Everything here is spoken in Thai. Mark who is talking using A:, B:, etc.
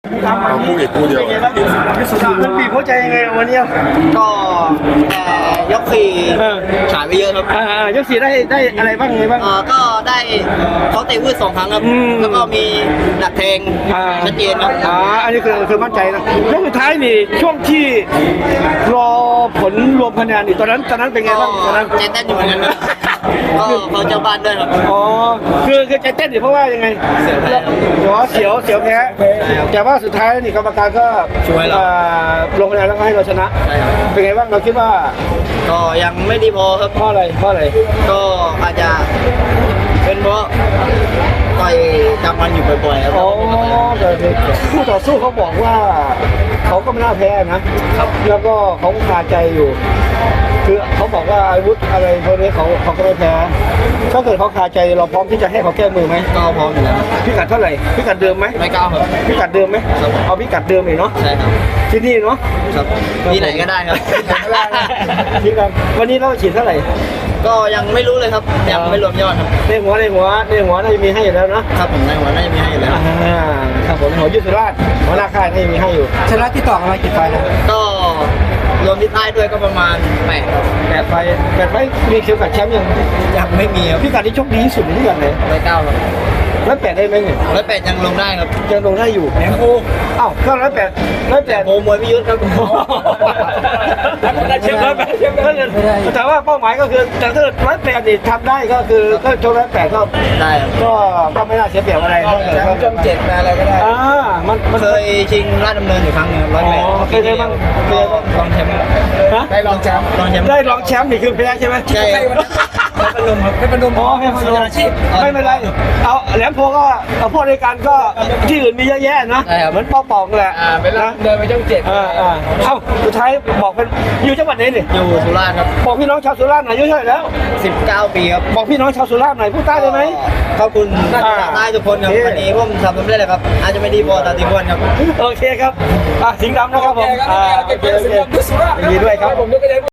A: เอาคู่เอกคู่เดียว
B: มันบีบหัวใจยังไงวันนี้
C: ก็ยกสี่ฉายไปเยอะครับ
B: ยกสี่ได้อะไรบ้างไงบ้าง
C: ก็ได้เขาเตะวืด2 ครั้งครับแล้วก็มีดักแทงชัดเจนครับ
B: อันนี้คือมั่นใจนะยกสุดท้ายนี่ช่วงที่รอผลรวมคะแนนนี่ตอนนั้นเป็นไงบ้างตอนนั้น
C: ใจเต้นอยู่เหมือนกันครับก็เขาเจ้าบ้านด้วยครับ
B: อ๋อคือใจเต้นอยู่เพราะว่ายังไง
C: เสียวแพ้
B: เสียวแพ้แต่ว่าสุดท้ายนี่กรรมการก็
C: ช่วยเรา
B: ลงคะแนนแล้วก็ให้เราชนะเป็นไงบ้างเราคิดว่า
C: ก็ยังไม่ดีพอครับ
B: เพราะอะไร
C: ก็อาจจะเป็นเพราะต่อยจำมันอยู่บ่อยๆครับ
B: อ๋อแต่คู่ต่อสู้เขาบอกว่าเขาก็ไม่น่าแพ้นะครับแล้วก็เขาคาใจอยู่คือเขาบอกว่าอาวุธอะไรพวกนี้เขาก็ไม่แพ้ถ้าเกิดเขาคาใจเราพร้อมที่จะให้เขาแก้มือไหม
C: ก็พร้อมอยู่แล้ว
B: พิกัดเท่าไหร่พิกัดเดิมไหม
C: ไม่ก้าวครับ
B: พิกัดเดิมไหมเอาพิกัดเดิมเลยเนาะ
C: ใช่ครับ
B: ที่นี่เนาะ
C: ครับที่ไหนก็ได้ครับ
B: ที่กันวันนี้เราฉีดเท่าไหร่
C: ก็ยังไม่รู้เลยครับยังไม่รวมยอดครับ
B: ในหัวน่าจะมีให้อยู่แล้วนะครับ
C: ผมในหัวน่าจะมีให้อยู่แล้ว
B: ครับผมหัวยุทธราชหัวหน้าค่ายน่าจะมีให้อยู่ชนะที่ต่อมากี่ไฟนะ
C: ก็รวมที่ใต้ด้วยก็ประมาณ8
B: ไฟมีเข็มขัดแชมป์
C: ยังไม่มีครับ
B: พี่กัดที่โชคดีที่สุดในที่กัดไหน
C: 109ครับ
B: 108ได้ไหมเนี่ย
C: 108ยังลงได้ครับ
B: ยังลงได้อยู่
C: แหนโค
B: อ้าวก็108
C: โมมวยพิยุทธ์ครับ
B: ได้เช็ค108แต่ว่าเป้าหมายก็คือแต่ถ้า108นี่ทำได้ก็คือก็โชค108ก็
C: ได้
B: ก็ไม่น่าเสียเปรียบอะไร
C: ก็จำ7อะไรก็ได้มันเคยชิงราชดำเนินอยู่ครั้งนึง108
B: เคยบ้าง
C: ลองแชมป์ได้ลองแชมป์
B: ได้ลองแชมป์นี่คือแพ้ใช่ไหม
C: ใช่ไม่เป็นลมครับไม่เป็นลม
B: อ๋อไม่เป็นลมไม่เป็นไรเอาแหลมโพก็เอาพวกในการก็ที่อื่นมีเยอะแยะนะเหมือนปองแหละ
C: เป็นนะเดินไปช่อง7
B: เอ้าสุดท้ายบอกเป็นอยู่จังหวัดไหนนี่
C: อยู่สุราษฎร์ครับ
B: บอกพี่น้องชาวสุราษฎร์หน่อยอายุเท่าไหร่แล้ว
C: 19 ปีครับ
B: บอกพี่น้องชาวสุราษฎร์หน่อยพูดใต้ได้ไหม
C: ขอบคุณใต้ทุกคนครับวันนี้ผมทำสำเร็จเลยครับอาจจะไม่ดีพอแต่ดีกว่าครับ
B: โอเคครับสิงห์ดำนะครับผมโอเคดีด้วยครับ